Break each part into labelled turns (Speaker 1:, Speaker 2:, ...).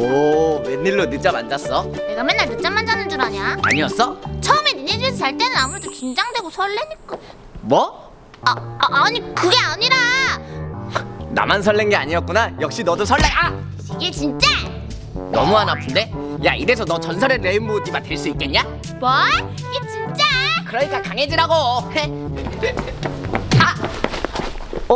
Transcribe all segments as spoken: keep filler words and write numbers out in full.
Speaker 1: 오, 웬일로 늦잠 안 잤어?
Speaker 2: 내가 맨날 늦잠만 자는 줄 아냐?
Speaker 1: 아니었어?
Speaker 2: 처음에 니네 집에서 잘 때는 아무래도 긴장되고 설레니까.
Speaker 1: 뭐?
Speaker 2: 아, 아 아니 그게 아니라
Speaker 1: 나만 설렌 게 아니었구나. 역시 너도 설레. 아!
Speaker 2: 이게 진짜?
Speaker 1: 너무 안 아픈데? 야, 이래서 너 전설의 레인보우 디바 될 수 있겠냐?
Speaker 2: 뭘? 이게 진짜?
Speaker 1: 그러니까 강해지라고. 아! 어?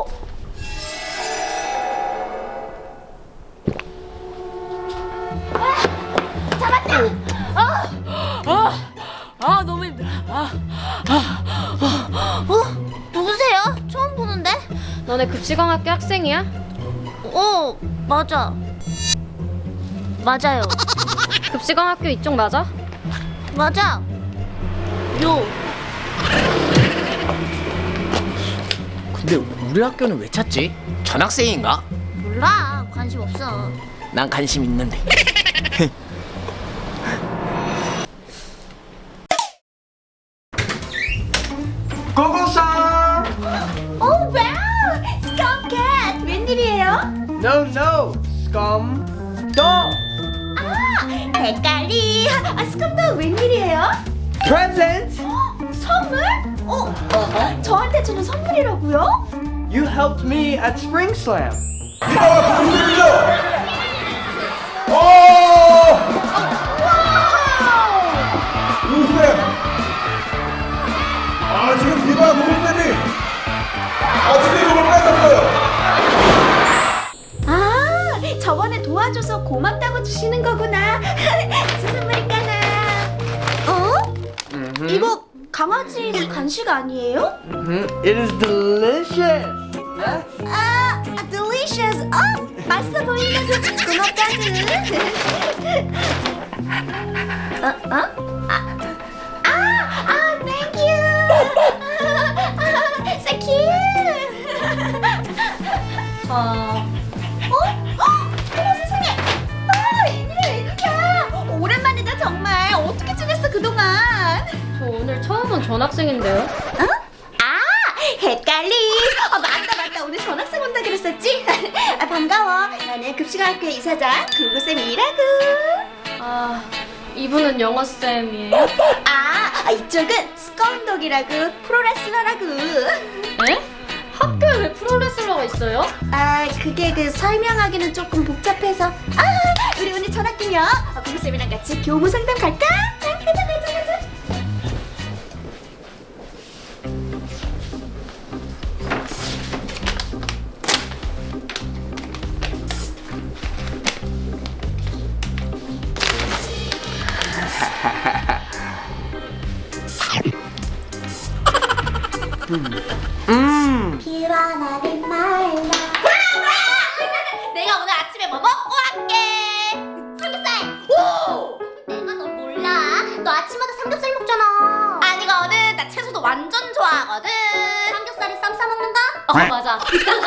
Speaker 2: 잡았다.
Speaker 3: 아, 아 너무 힘들어. 아,
Speaker 2: 어? 누구세요? 처음 보는데?
Speaker 3: 너네 급식왕학교 학생이야?
Speaker 2: 어, 맞아. 맞아요.
Speaker 3: 급식왕학교 이쪽 맞아?
Speaker 2: 맞아. 요.
Speaker 1: 근데 우리 학교는 왜 찾지? 전학생인가?
Speaker 2: 몰라. 관심 없어.
Speaker 1: 난 관심 있는데.
Speaker 4: 고고상!
Speaker 2: 오, 와우! 스컴캣! 웬일이에요?
Speaker 4: No, no! Scum dog!
Speaker 2: 헷갈리. 아, 스컴도 웬일이에요?
Speaker 4: Present!
Speaker 2: 선물? 어? 저한테 주는 선물이라고요?
Speaker 4: You helped me at Spring Slam.
Speaker 5: 누구세요? 아, 지금 비가 노을때니 아침에 이걸 뺏었어요.
Speaker 2: 아, 저번에 도와줘서 고맙다고 주시는 거구나. 무슨 선물일까나? 어? 이거 강아지 간식 아니에요?
Speaker 4: It is delicious!
Speaker 2: 아, delicious. 어, 맛있어 보인다고 고맙다고. 어, 어? 아, 아, 아, thank you. So cute.
Speaker 3: 저
Speaker 2: 어? 어? 어머 세상에! 아, 웬일이야 웬일이야! 오랜만이다 정말. 어떻게 지냈어 그동안?
Speaker 3: 저 오늘 처음 온 전학생인데요.
Speaker 2: 어? 아, 헷갈리. 어, 맞다 맞다. 오늘 전학생 온다 그랬었지? 아, 반가워. 나는 급식학교 이사장 구구쌤이라고.
Speaker 3: 아, 이분은 영어 쌤이에요?
Speaker 2: 아, 아, 이쪽은 스컴독이라고 프로레슬러라고.
Speaker 3: 에? 학교에 왜 프로레슬러가 있어요?
Speaker 2: 아, 그게 그 설명하기는 조금 복잡해서. 아, 우리 오늘 전학 기념 어, 구구쌤이랑 같이 교무 상담 갈까? 자, 가자 가자 가자.
Speaker 4: Mmm!
Speaker 2: 피어나는 말라. 내가 오늘 아침에 뭐 먹고 할게? 삼겹살. 오! 내가 너 몰라. 너 아침마다 삼겹살 먹잖아. 아니거든. 나 채소도 완전 좋아하거든. 삼겹살에 쌈 싸 먹는다?
Speaker 3: 어, 맞아.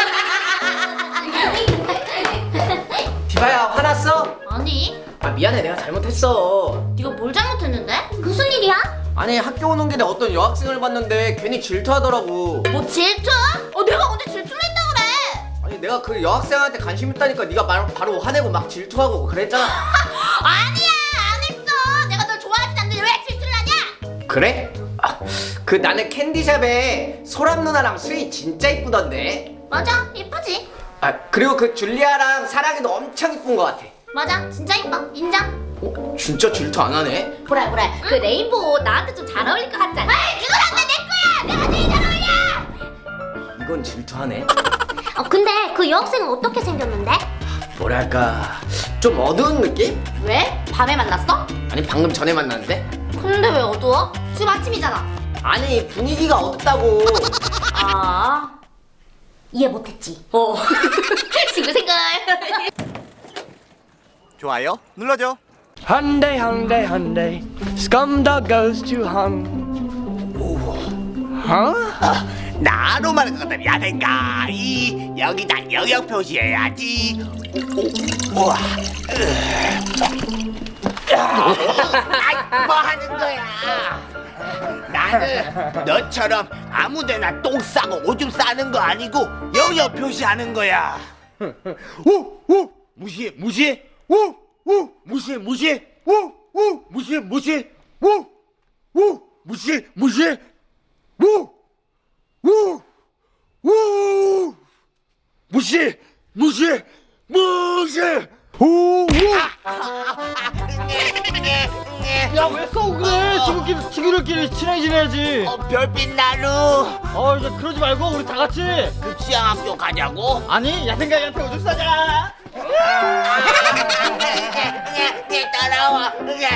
Speaker 1: 디바야, 화났어?
Speaker 2: 아니,
Speaker 1: 아, 미안해. 내가 잘못했어.
Speaker 2: 네가 뭘 잘못했는데? 무슨 일이야?
Speaker 1: 아니, 학교 오는 길에 어떤 여학생을 봤는데 괜히 질투하더라고.
Speaker 2: 뭐 질투? 어, 내가 언제 질투를 했다 그래?
Speaker 1: 아니, 내가 그 여학생한테 관심 있다니까 네가 바로, 바로 화내고 막 질투하고 그랬잖아.
Speaker 2: 아니야, 안 했어. 내가 널 좋아하진 않는데 왜 질투를 하냐?
Speaker 1: 그래? 아, 그 나는 캔디샵에 소람 누나랑 수희 진짜 이쁘던데.
Speaker 2: 맞아, 이쁘지?
Speaker 1: 아, 그리고 그 줄리아랑 사랑이도 엄청 이쁜 것 같아.
Speaker 2: 맞아, 진짜 이뻐. 인정.
Speaker 1: 어? 진짜 질투 안 하네?
Speaker 2: 보라 보라. 그 레인보우 나한테 좀 잘 어울릴 것 같지 않아? 이건 안돼, 내 거야. 내가 제일 잘 어울려.
Speaker 1: 이건 질투하네.
Speaker 2: 어, 근데 그 여학생은 어떻게 생겼는데?
Speaker 1: 뭐랄까, 좀 어두운 느낌?
Speaker 2: 왜? 밤에 만났어?
Speaker 1: 아니, 방금 전에 만났는데?
Speaker 2: 근데 왜 어두워? 지금 아침이잖아.
Speaker 1: 아니, 분위기가 어둡다고.
Speaker 2: 아, 이해 못했지. 어. 싱글싱글.
Speaker 6: 좋아요 눌러줘.
Speaker 4: Hyundai, Hyundai, Hyundai. Scum dog goes to hung. Huh?
Speaker 6: 나로 말할 것 같다면 야생가 이 여기다 영역 표시해야지. 오, 우와. 아이, 뭐 하는 거야? 나는 너처럼 아무데나 똥 싸고 오줌 싸는 거 아니고 영역 표시하는 거야. 오, 오, 무시해, 무시해. 오, 우 무시 무시 우우 무시 무시 우우 무시 무시 우우 우 무시 무시 무시 우우
Speaker 7: 야왜 싸우고 그래? 친구끼리 친구들끼리 친하게 지내야지.
Speaker 6: 어, 별빛 나루
Speaker 7: 어 이제 그러지 말고 우리 다 같이.
Speaker 6: 급시왕학교 가자고?
Speaker 7: 아니 야생가이한테 오줌 싸자.
Speaker 6: 네 따라와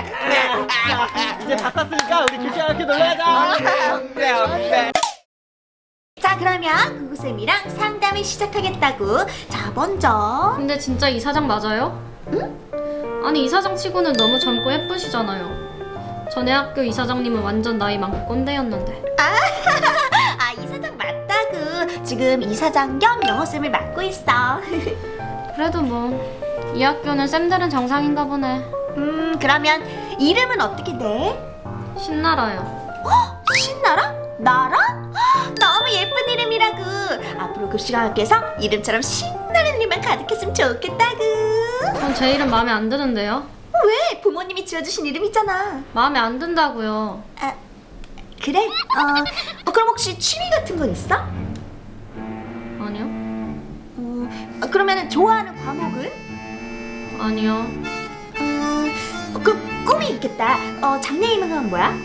Speaker 7: 이제 다 쌌으니까 우리 급시왕학교 놀러 가자.
Speaker 2: 자, 그러면 구구쌤이랑 상담을 시작하겠다고. 자, 먼저
Speaker 3: 근데 진짜 이사장 맞아요? 아니 이사장 치고는 너무 젊고 예쁘시잖아요. 전에 학교 이사장님은 완전 나이 많고 꼰대였는데.
Speaker 2: 아, 이사장 맞다구. 지금 이사장 겸 영어쌤을 맡고 있어.
Speaker 3: 그래도 뭐 이 학교는 쌤들은 정상인가 보네.
Speaker 2: 음, 그러면 이름은 어떻게 돼?
Speaker 3: 신나라요.
Speaker 2: 신나라? 나라? 헉, 너무 예쁜 이름이라고. 앞으로 급식학교에서 이름처럼 신나는 일만 가득했으면 좋겠다구.
Speaker 3: 전 제 이름 마음에 안 드는데요.
Speaker 2: 왜? 부모님이 지어주신 이름이잖아.
Speaker 3: 마음에 안 든다고요.
Speaker 2: 아, 그래? 어, 어, 그럼 혹시 취미 같은 건 있어?
Speaker 3: 아니요.
Speaker 2: 어, 어, 그러면 좋아하는 과목은?
Speaker 3: 아니요.
Speaker 2: 음, 그 꿈이 있겠다. 어, 장래희망은 뭐야?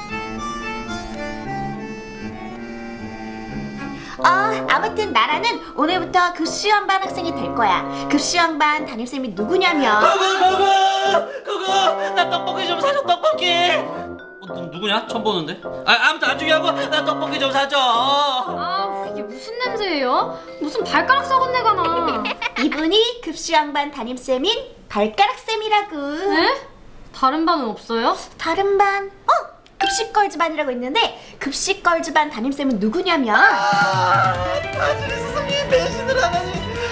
Speaker 2: 어, 아무튼 나라는 오늘부터 급식왕반 학생이 될 거야. 급식왕반 담임쌤이 누구냐면
Speaker 8: 그거 그거 나 떡볶이 좀 사줘 떡볶이. 어, 너 누구냐? 처음 보는데. 아 아무튼 안 중요하고 나 떡볶이 좀 사줘.
Speaker 3: 아 이게 무슨 냄새예요? 무슨 발가락 썩은 내가 나.
Speaker 2: 이분이 급식왕반 담임쌤인 발가락쌤이라고.
Speaker 3: 네? 다른 반은 없어요?
Speaker 2: 다른 반? 어? 급식걸즈반이라고 있는데 급식걸즈반 담임쌤은 누구냐면
Speaker 7: 다들 세상에 배신을 하다니.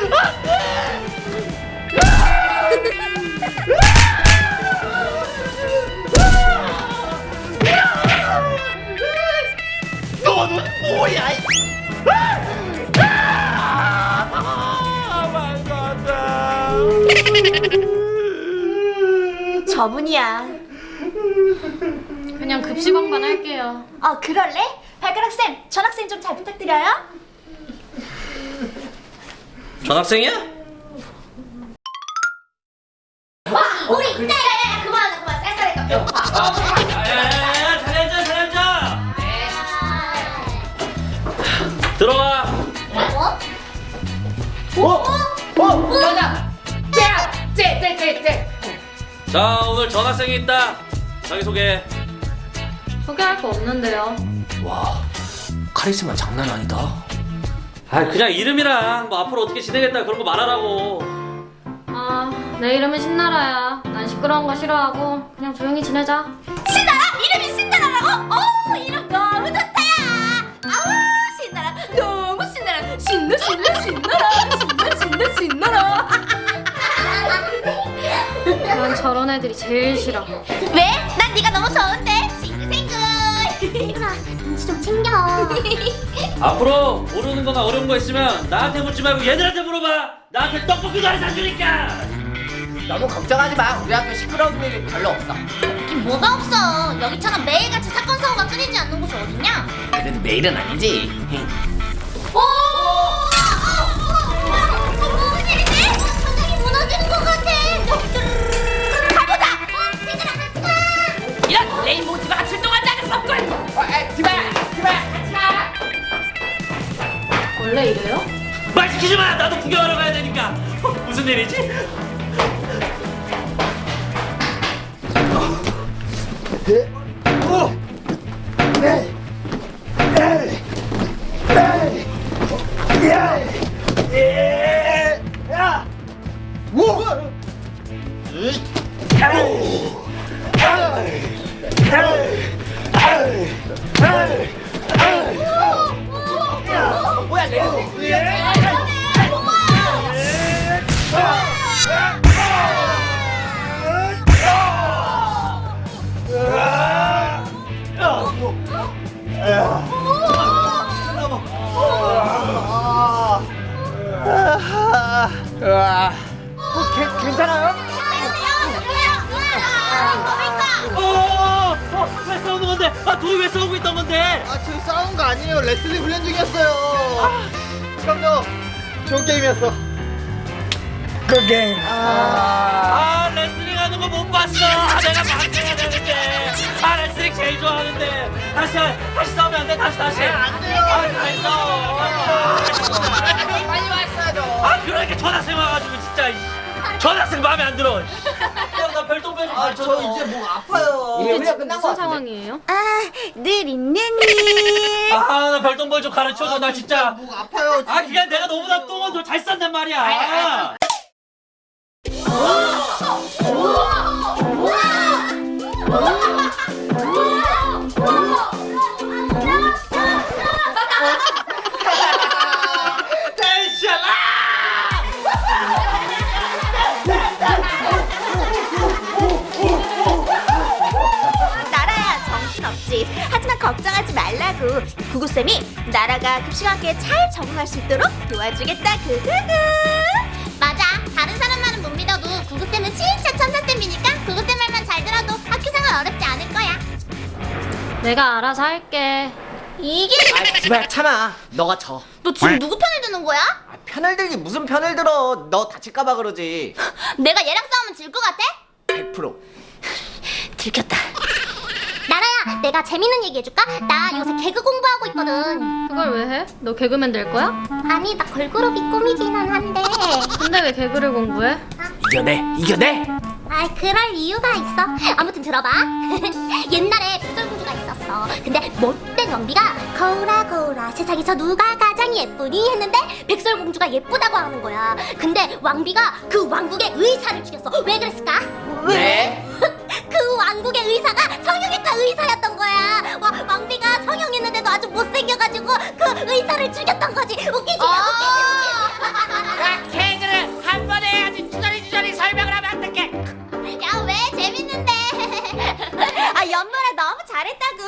Speaker 6: 너는 뭐야
Speaker 2: 저분이야.
Speaker 3: 그냥 급식왕반 할게요.
Speaker 2: 어, 그럴래? 발가락쌤, 전학생 좀 잘 부탁드려요.
Speaker 8: 전학생이야?
Speaker 2: 와, 우리 이때 그만 그만 쌀쌀해.
Speaker 8: 야야야야 잘 앉아 잘 앉아. 들어와.
Speaker 1: 어? 여자! 쟤야! 쟤! 쟤! 쟤! 쟤!
Speaker 8: 자 오늘 전학생이 있다. 자기 소개.
Speaker 3: 소개할 거 없는데요.
Speaker 1: 와, 카리스마 장난 아니다.
Speaker 8: 아 그냥 이름이랑 뭐 앞으로 어떻게 지내겠다 그런 거 말하라고.
Speaker 3: 아, 내 이름은 신나라야. 난 시끄러운 거 싫어하고 그냥 조용히 지내자.
Speaker 2: 신나라? 이름이 신나라라고? 어, 이름 너무 좋다야. 아우, 신나라. 너무 신나라. 신나 신나 신나라. 신나 신나 신나라.
Speaker 3: 난 저런 애들이 제일 싫어.
Speaker 2: 왜? 난 네가 너무 좋은데. 싱글싱글. 신나라, 눈치 좀 챙겨.
Speaker 8: 앞으로 모르는 거나 어려운 거 있으면 나한테 묻지 말고 얘들한테 물어봐. 나한테 떡볶이도 안 사주니까.
Speaker 1: 너무 걱정하지 마. 우리 학교 시끄러운 일이 별로 없어.
Speaker 2: 있긴 뭐가 없어. 여기처럼 매일같이 사건 사고가 끊이지 않는 곳이 어딨냐?
Speaker 1: 그래도 매일은 아니지.
Speaker 2: 오! 무슨 일이지? 바닥이 무너지는 것 같아. 가보자. 어, 얘들아 같이 가.
Speaker 1: 이런 레인보우 디바가 출동한다는 법꿀! 어, 에, 디바! 디바! 같이 가!
Speaker 3: 원래 이래요?
Speaker 8: 말 시키지 마. 나도 구경하러 가야 되니까. 어, 무슨 일이지?
Speaker 1: 뭐야, 레인보우!
Speaker 7: 어, 괜찮아요?
Speaker 8: 둘이 왜 싸우고 있던 건데?
Speaker 7: 아, 저 싸운 거 아니에요. 레슬링 훈련 중이었어요. 그럼요. 좋은 게임이었어.
Speaker 4: Good game.
Speaker 8: 아 레슬링 하는 거 못 봤어. 아, 내가 방해해야 되는데. 아 레슬링 제일 좋아하는데. 다시 다시 싸우면 안 돼. 다시 다시. 안 돼요. 아 다시 싸워.
Speaker 7: 빨리 왔어야죠.
Speaker 8: 아 그러니까 전학생 와가지고 진짜. 이씨. 전학생 마음에 안 들어. 야 나 별똥별 좀.
Speaker 7: 아, 저 이제 목 아파요.
Speaker 1: 이미 훈련 끝난 거
Speaker 3: 무슨
Speaker 1: 같은데.
Speaker 3: 상황이에요?
Speaker 2: 아, 늘 있는 일.
Speaker 8: 아나 별똥별 좀 가르쳐줘. 나 진짜.
Speaker 7: 목 아파요.
Speaker 8: 아 그냥 내가 너보다 똥은 더 잘 싼단 말이야.
Speaker 2: 나라야 정신없지. 하지만 걱정하지 말라고. 구구쌤이 나라가 급식학교에 잘 적응할 수 있도록 도와주겠다. 그그그. 맞아. 다른 사람 말은 못 믿어도 구구쌤은 진짜 천사쌤이니까 구구쌤 말만 잘 들어도 학교 생활 어렵지 않을 거야.
Speaker 3: 내가 알아서 할게.
Speaker 2: 이게
Speaker 1: 아 지발 참아. 너가 져.
Speaker 2: 너 지금 누구 편을 드는 거야?
Speaker 1: 아, 편을 들기 무슨 편을 들어. 너 다칠까봐 그러지.
Speaker 2: 내가 얘랑 싸우면 질 것 같아?
Speaker 1: 백 퍼센트.
Speaker 2: 들켰다. 나라야, 내가 재밌는 얘기 해줄까? 나 요새 개그 공부하고 있거든.
Speaker 3: 그걸 왜 해? 너 개그맨 될 거야?
Speaker 2: 아니, 나 걸그룹이 꿈이기는 한데.
Speaker 3: 근데 왜 개그를 공부해?
Speaker 1: 이겨내 이겨내.
Speaker 2: 아, 그럴 이유가 있어. 아무튼 들어봐. 옛날에 백설공주가 있었어. 근데 못된 왕비가 거울아 거울아 세상에서 누가 가장 예쁘니 했는데 백설공주가 예쁘다고 하는 거야. 근데 왕비가 그 왕국의 의사를 죽였어. 왜 그랬을까?
Speaker 1: 왜?
Speaker 2: 그 왕국의 의사가 성형외과 의사였던 거야. 와, 왕비가 성형했는데도 아주 못생겨가지고 그 의사를 죽였던 거지. 웃기지? 웃기지? 웃기지?
Speaker 6: 개그를 한 번에 해야지 주저리 주저리 설명을 하면 어떡해.
Speaker 2: 야, 왜 재밌는데? 아, 연말에 너무 잘했다고.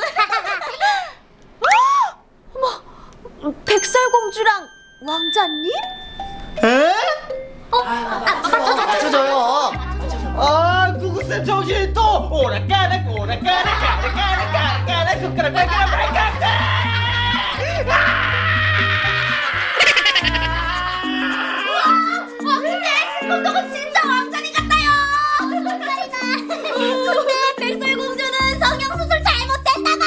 Speaker 2: 어머, 백설공주랑 왕자님?
Speaker 7: 에?
Speaker 2: 어? 아, 맞춰줘,
Speaker 1: 맞춰줘요.
Speaker 7: 아, 구구쌤 정신이 또 오락가락 오락가락 가락 가락 가락 가락 손가락 발가락 발가락.
Speaker 2: 와, 근데 공주가 진짜 왕자님 같아요. 왕자리다. 근데 백설공주는 성형수술 잘못했나봐.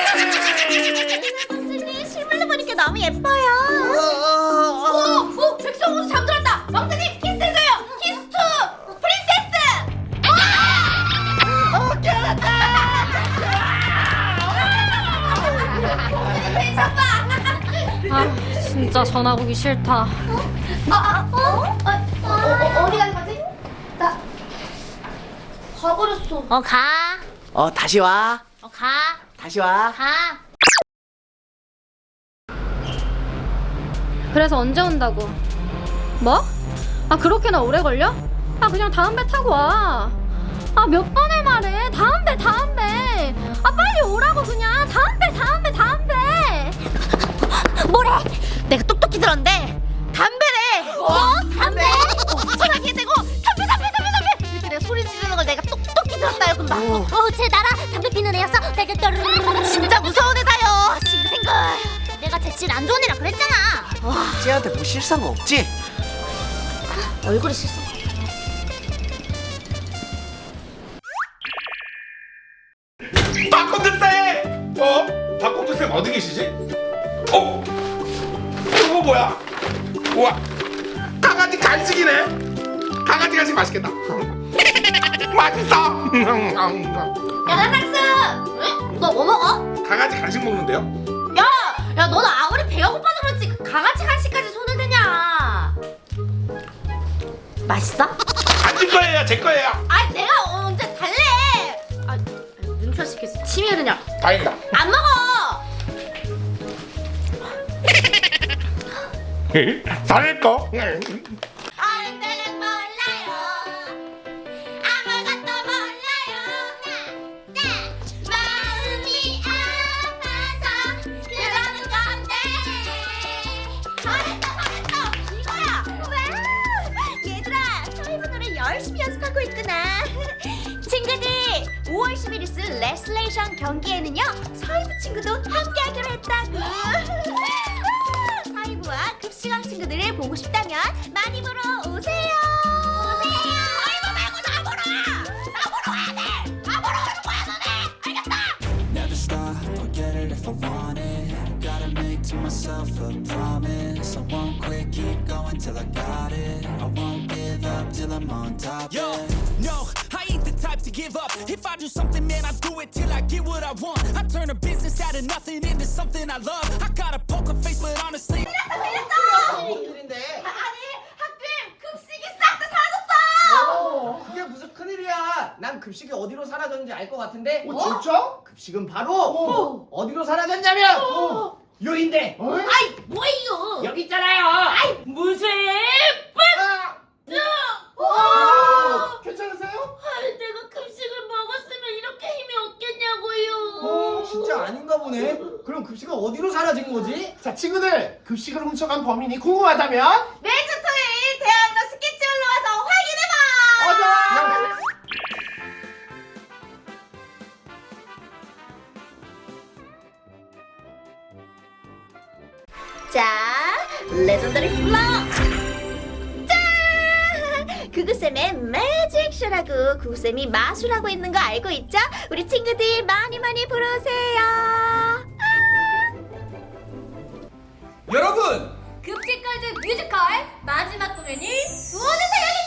Speaker 2: 왕자님 실물로 보니까 너무 예뻐요. 오, 오, 백설공주 잠들었다. 왕자님 키스해줘요. 키스 투 프린세스.
Speaker 7: 어, 깨어났다.
Speaker 3: 아 진짜 전화 오기 싫다.
Speaker 2: 아, 어? 어? 어, 어, 어디 간 거지? 나 가버렸어. 어, 가.
Speaker 1: 어 다시 와.
Speaker 2: 어, 가.
Speaker 1: 다시 와.
Speaker 2: 가.
Speaker 3: 그래서 언제 온다고? 뭐? 아 그렇게나 오래 걸려? 아 그냥 다음 배 타고 와. 아 몇 번을 말해. 다음 배 다음 배. 아 빨리 오라고 그냥. 다음 배 다음 배 다음 배.
Speaker 2: 뭐래? 내가 똑똑히 들었는데 담배래. 어? 담배? 전화기에 대고 담배 담배 담배 담배 이렇게 내가 소리 지르는 걸 내가 똑똑히 들었다요. 근데 어, 쟤 나라 담배 피는 애였어. 내가 떠르르르. 진짜 무서운 애다요. 싱글싱글. 내가 쟤질 안 좋은 애라 그랬잖아. 와,
Speaker 1: 쟤한테 뭐 실수한 거 없지?
Speaker 2: 얼굴이 실수.
Speaker 5: 박콘드쌤! 어? 박콘드쌤 어디 계시지? 어? 이거 뭐야? 우와, 강아지 간식이네. 강아지 간식 맛있겠다. 맛있어.
Speaker 2: 야, 나상스. 응? 너 뭐 먹어?
Speaker 5: 강아지 간식 먹는데요?
Speaker 2: 야, 야, 너는 아무리 배가 고파서 그렇지 그 강아지 간식까지 손을 대냐? 맛있어?
Speaker 5: 안 줄 거예요, 제 거예요.
Speaker 2: 아, 내가 언제 달래? 아, 눈살 시켜서 침이 흐르냐?
Speaker 5: 다행이다.
Speaker 2: 안 먹어.
Speaker 5: 잘할 거.
Speaker 2: 어른 때는 몰라요. 아무것도 몰라요. 나, 나 마음이 아파서 그러는 건데. 잘했어, 잘했어. 이거야. 와, 얘들아, 서희분 노래 열심히 연습하고 있구나. 친구들, 오월 십일 일 있을 레슬레이션 경기에는요 사이브 친구도 함께하기로 했다고. 사이브와 급식왕 친구들을 보고 싶다면 많이 보러 오세요. 오세요. 사이브 말고 나 보러 와. 나 보러 와야 돼. 나 보러 오는 거야 너네. 알겠어?
Speaker 9: Never stop or get it if I want it. Gotta make to myself a promise. I won't quit, keep going till I got it. I won't give up till I'm on top.
Speaker 10: Yo,
Speaker 9: yeah.
Speaker 10: no, I ain't the type to give up. If I do something, man, I do it till I get what I want. I turn a business out of nothing into something I love. I got a poker face, but honestly.
Speaker 1: 큰일인데.
Speaker 2: 아니 학교에 급식이 싹 다 사라졌어.
Speaker 1: 그게 무슨 큰일이야. 난 급식이 어디로 사라졌는지 알 것 같은데.
Speaker 5: 어, 진짜?
Speaker 1: 급식은 바로 어. 디로 사라졌냐면 어. 여긴데.
Speaker 2: 아이 뭐예요?
Speaker 1: 여기 있잖아요.
Speaker 2: 무슨?
Speaker 5: 어, 괜찮으세요?
Speaker 2: 아이 내가 급식을 먹었으면 이렇게 힘이 없겠냐고요.
Speaker 1: 어, 진짜 아닌가 보네. 그럼 급식은 어디로 사라진 거지?
Speaker 5: 자, 친구들, 급식을 훔쳐간 범인이 궁금하다면
Speaker 2: 매주 토요일 대학로 스케치홀로 와서 확인해봐.
Speaker 5: 어서!
Speaker 2: 자, 레전더리 플로우. 짠! 구구쌤의 매직쇼라고 구구쌤이 마술하고 있는 거 알고 있죠? 우리 친구들 많이 많이 보러 오세요.
Speaker 1: 여러분!
Speaker 3: 급식걸즈 뮤지컬 마지막 공연이 수원에서 열립니다.